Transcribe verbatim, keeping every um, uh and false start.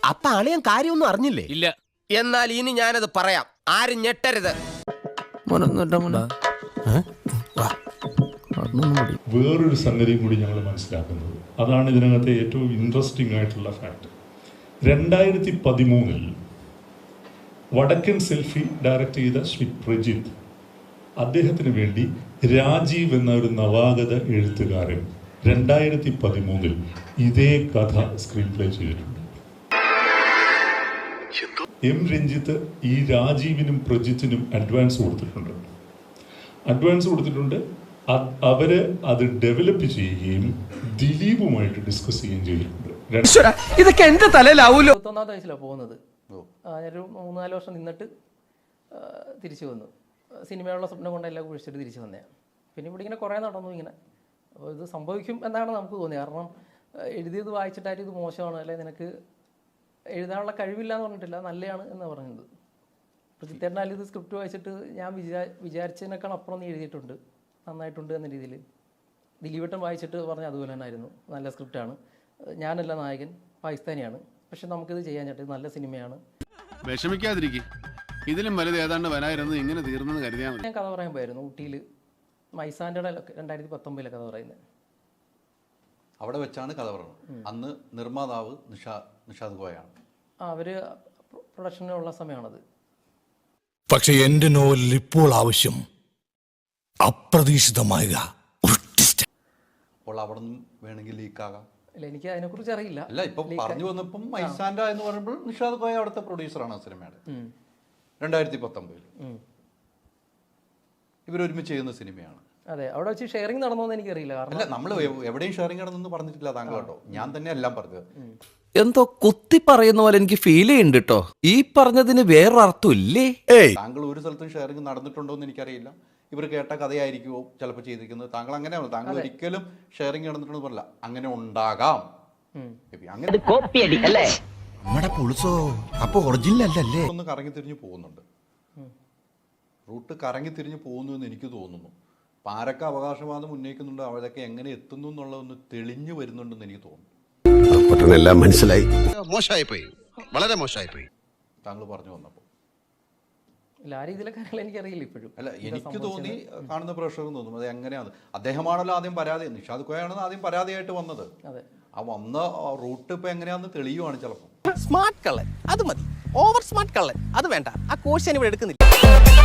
അപ്പൊ അളിയൻ കാര്യമൊന്നും അറിഞ്ഞില്ലേ? ഇല്ല. എന്നാൽ ഇനി ഞാനത് പറയാം, ആരും ഞെട്ടരുത്. വേറൊരു സംഗതിയും കൂടി ഞങ്ങൾ മനസ്സിലാക്കുന്നത്, അതാണ് ഇതിനകത്തെ ഏറ്റവും ഇൻട്രസ്റ്റിംഗ് ആയിട്ടുള്ള ഫാക്ട്. രണ്ടായിരത്തി പതിമൂന്നിൽ വടക്കൻ സെൽഫി ഡയറക്റ്റ് ചെയ്ത ശ്രീ പ്രജിത്ത്, അദ്ദേഹത്തിന് വേണ്ടി രാജീവ് എന്ന ഒരു നവാഗത എഴുത്തുകാരൻ രണ്ടായിരത്തി പതിമൂന്നിൽ ഇതേ കഥ സ്ക്രീൻ പ്ലേ ചെയ്തിട്ടുണ്ട്. എം രഞ്ജിത്ത് ഈ രാജീവിനും പ്രജിത്തിനും അഡ്വാൻസ് കൊടുത്തിട്ടുണ്ട്. അഡ്വാൻസ് കൊടുത്തിട്ടുണ്ട് അവര് അത് ഡെവലപ്പ് ചെയ്യുകയും ദിലീപുമായിട്ട് ഡിസ്കസ് ചെയ്യുകയും ചെയ്തിട്ടുണ്ട്. ഇതൊക്കെ എന്റെ തലയിലാവൂലോ. ഇരുപത്തൊന്നാമത്തെ വയസ്സിലാണ് പോകുന്നത്. ഞാനൊരു മൂന്നാല് വർഷം നിന്നിട്ട് തിരിച്ചു വന്നു. സിനിമയുള്ള സ്വപ്നം കൊണ്ടെല്ലാം കുഴിച്ചിട്ട് തിരിച്ചു വന്നതാണ്. പിന്നെ ഇവിടെ ഇങ്ങനെ കുറേ നടന്നു ഇങ്ങനെ. അപ്പോൾ ഇത് സംഭവിക്കും എന്നാണ് നമുക്ക് തോന്നിയത്. കാരണം എഴുതിയത് വായിച്ചിട്ടായിട്ട് ഇത് മോശമാണ്, അല്ലെ നിനക്ക് എഴുതാനുള്ള കഴിവില്ല എന്ന് പറഞ്ഞിട്ടില്ല, നല്ലതാണ് എന്നാണ് പറഞ്ഞത്. പ്രജിത്തേട്ടനാൽ ഇത് സ്ക്രിപ്റ്റ് വായിച്ചിട്ട് ഞാൻ വിചാ വിചാരിച്ചതിനേക്കാൾ അപ്പുറം നീ എഴുതിയിട്ടുണ്ട്, നന്നായിട്ടുണ്ട് എന്ന രീതിയിൽ. ദിലീപേട്ടൻ വായിച്ചിട്ട് പറഞ്ഞ അതുപോലെ തന്നെ ആയിരുന്നു, നല്ല സ്ക്രിപ്റ്റാണ്, ഞാനല്ല നായകൻ, പാകിസ്ഥാനിയാണ്, പക്ഷെ നമുക്കിത് ചെയ്യാൻ ചേട്ടൻ നല്ല സിനിമയാണ്. വിഷമിക്കാതിരിക്കും, ഇതിലും വലുത് ഏതാണ്ട് വരായിരുന്നു, ഇങ്ങനെ തീർന്നെന്ന് കരുതിയാൽ മതി. ഞാൻ കഥ പറയാൻ പോയായിരുന്നു ഊട്ടിയിൽ, മൈസാൻ്റെ രണ്ടായിരത്തി പത്തൊമ്പതിലെ കഥ പറയുന്നത്. അവിടെ വെച്ചാണ് കഥ പറയുന്നത്. അന്ന് നിർമ്മാതാവ് നിഷാ നിഷാദ് കോയാണ്. ആ അവർ പ്രൊഡക്ഷനുള്ള സമയമാണത്. പക്ഷെ എന്റെ നോവലിൽ ഇപ്പോൾ ആവശ്യം അപ്രതീക്ഷിതമായ അപ്പോൾ അവിടെ നിന്നും വേണമെങ്കിൽ ലീക്കാകാം. അല്ല, എനിക്ക് അതിനെക്കുറിച്ച് അറിയില്ല. അല്ല, ഇപ്പം പറഞ്ഞു വന്നപ്പം മൈസാൻഡ എന്ന് പറയുമ്പോൾ നിഷാദ് കോയ അവിടുത്തെ പ്രൊഡ്യൂസറാണ് ആ സിനിമയുടെ. രണ്ടായിരത്തി പത്തൊമ്പതിൽ ഇവരൊരുമിച്ച് ചെയ്യുന്ന സിനിമയാണ്. അതെ, അവിടെ വെച്ച് ഷെയറിംഗ് നടന്നോന്ന് എനിക്കറിയില്ല. കാരണം അല്ല, നമ്മൾ എവിടെയും ഷെയറിംഗ് നടന്നു പറഞ്ഞിട്ടില്ല താങ്കൾ കേട്ടോ, ഞാൻ തന്നെ എല്ലാം പറഞ്ഞത്. എന്തോ കുത്തി പറയുന്ന പോലെ എനിക്ക് ഫീൽ ചെയ്യുന്നുണ്ട് കേട്ടോ. ഈ പറഞ്ഞതിന് വേറൊരർത്ഥം ഇല്ലേ? താങ്കൾ ഒരു സ്ഥലത്തും ഷെയറിംഗ് നടന്നിട്ടുണ്ടോ എന്ന് എനിക്കറിയില്ല. ഇവർ കേട്ട കഥയായിരിക്കുമോ ചിലപ്പോൾ ചെയ്തിരിക്കുന്നത്. താങ്കൾ അങ്ങനെയാണ്, താങ്കൾ ഒരിക്കലും ഷെയറിംഗ് നടന്നിട്ടുണ്ടെന്ന് പറഞ്ഞില്ല. അങ്ങനെ ഉണ്ടാകാം, അങ്ങനെ ഒന്ന് കറങ്ങി തിരിഞ്ഞു പോകുന്നുണ്ട്, റൂട്ട് കറങ്ങി തിരിഞ്ഞു പോകുന്നു എന്ന് എനിക്ക് തോന്നുന്നു. അപ്പം ആരൊക്കെ അവകാശവാദം ഉന്നയിക്കുന്നുണ്ട്, അവരൊക്കെ എങ്ങനെ എത്തുന്നു എന്നുള്ളതൊന്ന് തെളിഞ്ഞു വരുന്നുണ്ടെന്ന് എനിക്ക് തോന്നുന്നു. എല്ലാം മനസ്സിലായി. മോശമായി പോയി, വളരെ മോശമായി പോയി താങ്കൾ പറഞ്ഞു വന്നപ്പോൾ. ഇല്ല, ആ രീതിയിലെ കാര്യങ്ങൾ എനിക്കറിയില്ല ഇപ്പോഴും. അല്ല, എനിക്ക് തോന്നി, കാണുന്ന പ്രേക്ഷകർക്ക് തോന്നും അത് എങ്ങനെയാണ്. അദ്ദേഹമാണല്ലോ ആദ്യം പരാതി, നിഷാദ് കോയാണെന്ന് ആദ്യം പരാതിയായിട്ട് വന്നത്. അതെ, ആ വന്ന റൂട്ട് ഇപ്പൊ എങ്ങനെയാന്ന് തെളിയുവാണ് ചിലപ്പോൾ. സ്മാർട്ട് കള്ളൻ അത് മതി, ഓവർ സ്മാർട്ട് കള്ളൻ അത് വേണ്ട. ആ കോഴ്സ് ഞാൻ ഇവിടെ എടുക്കുന്നില്ല.